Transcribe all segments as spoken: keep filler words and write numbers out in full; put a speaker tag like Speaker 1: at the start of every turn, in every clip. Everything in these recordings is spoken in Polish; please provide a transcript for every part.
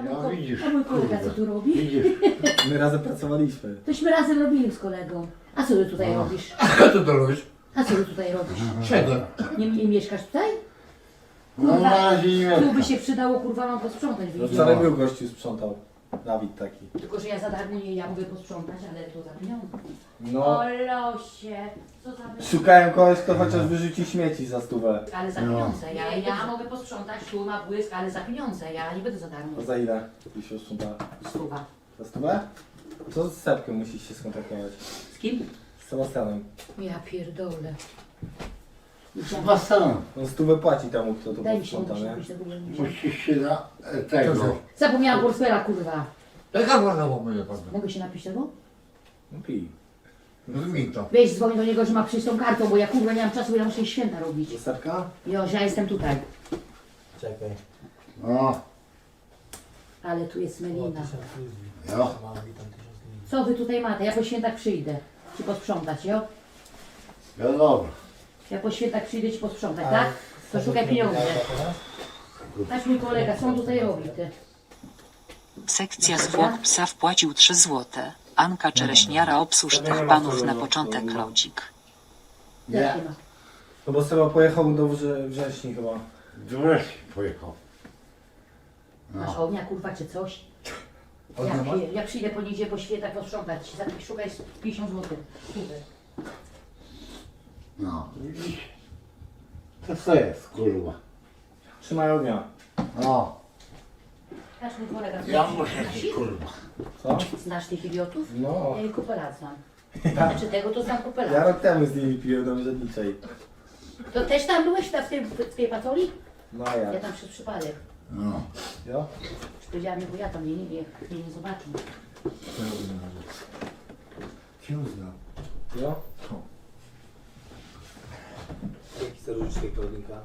Speaker 1: mój,
Speaker 2: No
Speaker 1: ko-
Speaker 2: widzisz,
Speaker 1: a mój kolega
Speaker 2: kurde.
Speaker 1: co tu robi?
Speaker 2: Widzisz?
Speaker 3: My razem pracowaliśmy.
Speaker 1: Tośmy razem robili z kolegą. A co ty tutaj
Speaker 2: No.
Speaker 1: robisz?
Speaker 4: Co ty to robisz?
Speaker 1: A co ty tutaj robisz?
Speaker 4: Siedzę.
Speaker 1: Nie, nie mieszkasz tutaj?
Speaker 2: No na razie nie
Speaker 1: Tu by
Speaker 2: mieszkam.
Speaker 1: się przydało kurwa mam posprzątać,
Speaker 3: No
Speaker 1: widzisz?
Speaker 3: wczoraj był gościu sprzątał. Dawid taki.
Speaker 1: Tylko, że ja za darmo nie, ja mogę posprzątać, ale to za pieniądze.
Speaker 3: No.
Speaker 1: O losie, co za pieniądze?
Speaker 3: Szukałem kogoś, kto chociaż wyrzuci śmieci za stówę.
Speaker 1: Ale za
Speaker 2: No.
Speaker 1: pieniądze. Ja, ja mogę posprzątać, tu ma błysk, ale za pieniądze. Ja nie będę za darmo.
Speaker 3: A za ile? Jeśli się sprząta?
Speaker 1: Stuwa.
Speaker 3: Za stówę? To z Sepkiem musisz się skontaktować.
Speaker 1: Z kim?
Speaker 3: Z Sebastianem.
Speaker 1: Ja pierdolę. Musiałam-
Speaker 2: Basen.
Speaker 3: On stówę płaci temu, kto to
Speaker 1: Daj mi się
Speaker 3: posprząta, nie?
Speaker 1: napić tego.
Speaker 2: Musisz się na e, tego.
Speaker 1: Zapomniałam portfela, kurwa.
Speaker 4: Jaka ładna łapuje pan?
Speaker 1: Mogę się napić tego?
Speaker 3: No pij.
Speaker 4: Zmień to.
Speaker 1: Weź dzwoń do niego, że ma przyjść tą kartą, bo ja kurwa nie mam czasu, bo ja muszę jej święta robić.
Speaker 3: Do Sepka?
Speaker 1: Jo, że ja jestem tutaj.
Speaker 3: Czekaj.
Speaker 2: No,
Speaker 1: Ale tu jest melina.
Speaker 2: jo.
Speaker 1: Co wy tutaj macie? Ja po świętach przyjdę. Ci posprzątać, jo?
Speaker 2: No dobra.
Speaker 1: Ja po świętach przyjdę ci posprzątać, tak? To szukaj pieniądze. Nasz mój kolega, co on tutaj robi, ty?
Speaker 5: Sekcja zwłok psa wpłacił trzy złote. Anka Czereśniara obsłuż dwóch panów na początek lodzik.
Speaker 2: Nie.
Speaker 1: Jakie ma?
Speaker 3: No bo Seba pojechał do Wrze- Wrześni chyba.
Speaker 2: Wreszcie pojechał.
Speaker 1: Masz ognia, kurwa, czy coś? Ja, pie- ja przyjdę po niedzielę po świętach posprzątać. Za- Szukaj pięćdziesiąt złotych. Super.
Speaker 2: No, widzisz? To co jest, kurwa?
Speaker 3: Trzymaj ognia.
Speaker 2: No,
Speaker 1: Nasz mój kolega.
Speaker 2: ja muszę
Speaker 1: Znasz
Speaker 2: się,
Speaker 1: ich?
Speaker 2: kurwa.
Speaker 3: Co?
Speaker 1: Znasz tych idiotów?
Speaker 3: No.
Speaker 1: Ja ich kupę znam. Znaczy tego to znam kupę
Speaker 3: Ja rok temu z nimi piłem do Mrzedniczej.
Speaker 1: To też tam byłeś na- w tej, w tej patoli?
Speaker 3: No a
Speaker 1: Ja
Speaker 3: jak?
Speaker 1: tam przez przypadek.
Speaker 2: No.
Speaker 3: Jo?
Speaker 1: Czy powiedziałam, bo ja tam nie, nie, nie, nie, nie zobaczę.
Speaker 4: Cię znam.
Speaker 3: Jo?
Speaker 6: Jaki starożytny Klaudyka?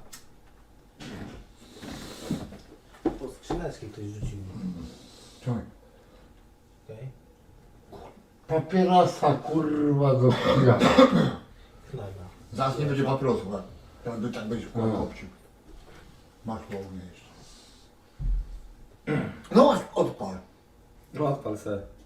Speaker 6: Po skrzyneczkę ktoś rzucił.
Speaker 4: Czekaj.
Speaker 6: Okej?
Speaker 2: Papierosa, kurwa, do chuja.
Speaker 6: Chleba.
Speaker 4: Zaraz nie będzie papierosu, a ten by tak będzie w
Speaker 2: No.
Speaker 4: obcił. Masz połowę jeszcze. No odpal.
Speaker 3: No odpal se.